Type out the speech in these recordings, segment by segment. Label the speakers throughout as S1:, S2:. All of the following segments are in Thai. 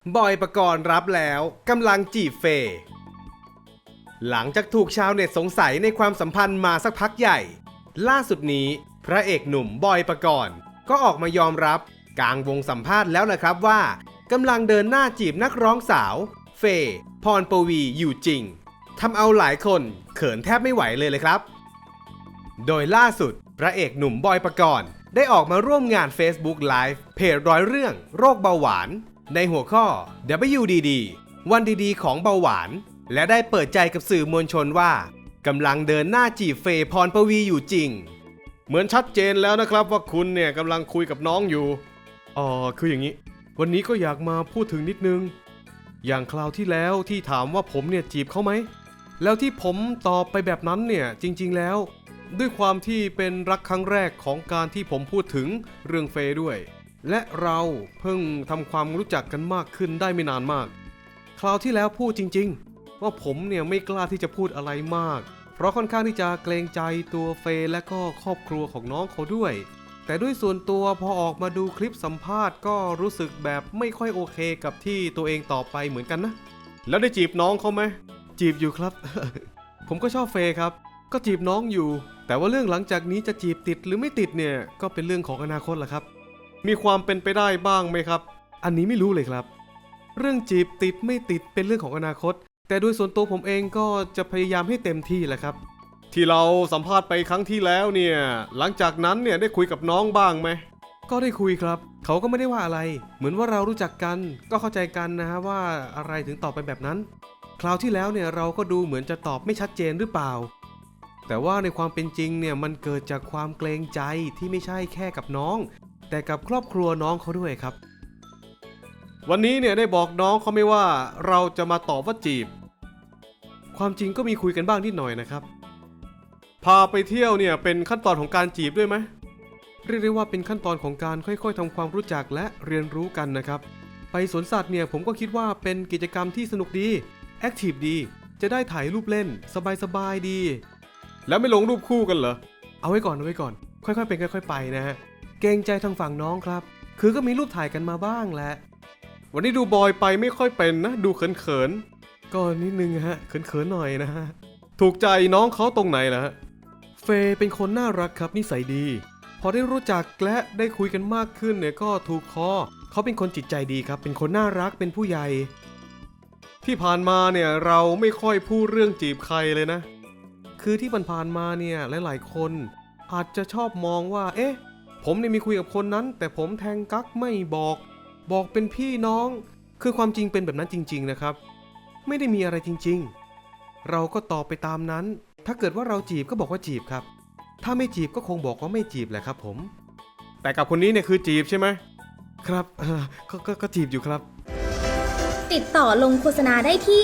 S1: บอยปกรณ์รับแล้วกำลังจีบเฟย์หลังจากถูกชาวเน็ตสงสัยในความสัมพันธ์มาสักพักใหญ่ ล่าสุดนี้พระเอกหนุ่มบอยปกรณ์ก็ออกมายอมรับกลางวงสัมภาษณ์แล้วนะครับว่ากำลังเดินหน้าจีบนักร้องสาวเฟย์พรปวีอยู่จริงทำเอาหลายคนเขินแทบไม่ไหวเลยครับโดยล่าสุดพระเอกหนุ่มบอยปกรณ์ได้ออกมาร่วมงาน Facebook Live เพจร้อยเรื่องโรคเบาหวานในหัวข้อ WDD วันดีๆของเบาหวานและได้เปิดใจกับสื่อมวลชนว่ากำลังเดินหน้าจีบเฟย์พรปวีอยู่จริงเหมือนชัดเจนแล้วนะครับว่าคุณเนี่ยกำลังคุยกับน้องอยู่คืออย่างนี้วันนี้ก็อยากมาพูดถึงนิดนึงอย่างคราวที่แล้วที่ถามว่าผมเนี่ยจีบเขาไหมแล้วที่ผมตอบไปแบบนั้นเนี่ยจริงๆแล้วด้วยความที่เป็นรักครั้งแรกของการที่ผมพูดถึงเรื่องเฟย์ด้วยและเราเพิ่งทำความรู้จักกันมากขึ้นได้ไม่นานมากคราวที่แล้วพูดจริงๆว่าผมเนี่ยไม่กล้าที่จะพูดอะไรมากเพราะค่อนข้างที่จะเกรงใจตัวเฟย์และก็ครอบครัวของน้องเขาด้วยแต่ด้วยส่วนตัวพอออกมาดูคลิปสัมภาษณ์ก็รู้สึกแบบไม่ค่อยโอเคกับที่ตัวเองตอบไปเหมือนกันนะแล้วได้จีบน้องเขาไหมจีบอยู่ครับ ผมก็ชอบเฟย์ครับก็จีบน้องอยู่แต่ว่าเรื่องหลังจากนี้จะจีบติดหรือไม่ติดเนี่ยก็เป็นเรื่องของอนาคตแหละครับมีความเป็นไปได้บ้างไหมครับอันนี้ไม่รู้เลยครับเรื่องจีบติดไม่ติดเป็นเรื่องของอนาคตแต่โดยส่วนตัวผมเองก็จะพยายามให้เต็มที่แหละครับที่เราสัมภาษณ์ไปครั้งที่แล้วเนี่ยหลังจากนั้นเนี่ยได้คุยกับน้องบ้างไหมก็ได้คุยครับเขาก็ไม่ได้ว่าอะไรเหมือนว่าเรารู้จักกันก็เข้าใจกันนะฮะว่าอะไรถึงตอบไปแบบนั้นคราวที่แล้วเนี่ยเราก็ดูเหมือนจะตอบไม่ชัดเจนหรือเปล่าแต่ว่าในความเป็นจริงเนี่ยมันเกิดจากความเกรงใจที่ไม่ใช่แค่กับน้องแต่กับครอบครัวน้องเขาด้วยครับวันนี้เนี่ยได้บอกน้องเขาไม่ว่าเราจะมาตอบว่าจีบความจริงก็มีคุยกันบ้างนิดหน่อยนะครับพาไปเที่ยวเนี่ยเป็นขั้นตอนของการจีบด้วยไหมเรียกได้ว่าเป็นขั้นตอนของการค่อยๆทำความรู้จักและเรียนรู้กันนะครับไปสวนสัตว์เนี่ยผมก็คิดว่าเป็นกิจกรรมที่สนุกดีแอคทีฟดีจะได้ถ่ายรูปเล่นสบายๆดีแล้วไม่ลงรูปคู่กันเหรอเอาไว้ก่อนค่อยๆเป็นค่อยๆไปนะฮะเกรงใจทางฝั่งน้องครับคือก็มีรูปถ่ายกันมาบ้างแหละวันนี้ดูบอยไปไม่ค่อยเป็นนะดูเขินๆก็นิดนึงฮะเขินๆหน่อยนะฮะถูกใจน้องเขาตรงไหนล่ะฮะเฟย์เป็นคนน่ารักครับนิสัยดีพอได้รู้จักและได้คุยกันมากขึ้นเนี่ยก็ถูกคอเขาเป็นคนจิตใจดีครับเป็นคนน่ารักเป็นผู้ใหญ่ที่ผ่านมาเนี่ยเราไม่ค่อยพูดเรื่องจีบใครเลยนะคือที่ผ่านมาเนี่ยหลายๆคนอาจจะชอบมองว่าเอ๊ะผมเนี่ยมีคุยกับคนนั้นแต่ผมแทงกั๊กไม่บอกเป็นพี่น้องคือความจริงเป็นแบบนั้นจริงๆนะครับไม่ได้มีอะไรจริงๆเราก็ตอบไปตามนั้นถ้าเกิดว่าเราจีบก็บอกว่าจีบครับถ้าไม่จีบก็คงบอกว่าไม่จีบแหละครับผมแต่กับคนนี้เนี่ยคือจีบใช่ไหมครับก็จีบอยู่ครับ
S2: ติดต่อลงโฆษณาได้ที่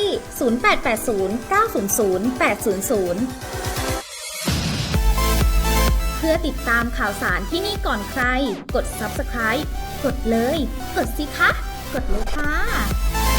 S2: 0880 900 800 เพื่อติดตามข่าวสารที่นี่ก่อนใคร กด Subscribe กดเลย กดสิคะ กดเลยค่ะ